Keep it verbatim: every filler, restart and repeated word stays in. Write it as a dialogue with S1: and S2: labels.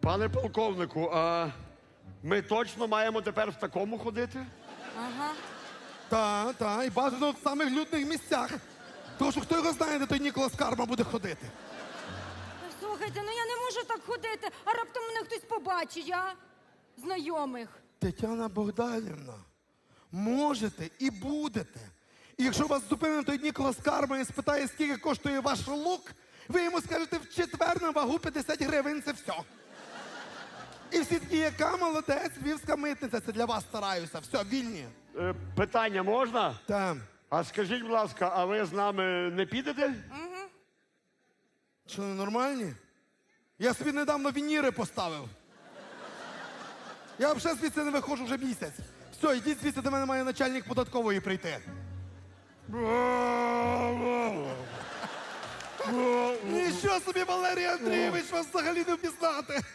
S1: Пане полковнику, а ми точно маємо тепер в такому ходити?
S2: Ага.
S3: Та, та, і бажано в самих людних місцях. Тому що хто його знає, де той Ніколас Карма буде ходити.
S2: Слухайте, ну я не можу так ходити, а раптом мене хтось побачить, а? Знайомих.
S3: Тетяна Богданівна, можете і будете. І якщо вас зупинить той Ніколас Карма і спитає, скільки коштує ваш лук, ви йому скажете в четвер на вагу п'ятдесят гривень, це все. І всі такі, яка молодець, львівська митниця, це для вас стараюся. Все, вільні.
S1: Е, питання можна?
S3: Там.
S1: А скажіть, будь ласка, а ви з нами не підете?
S3: Що, нормальні? Я собі недавно вініри поставив. Я взагалі звідси не виходжу вже місяць. Все, йдіть звідси, до мене має начальник податкової прийти. Нічого собі, Валерій Андрійович, вас взагалі не впізнати.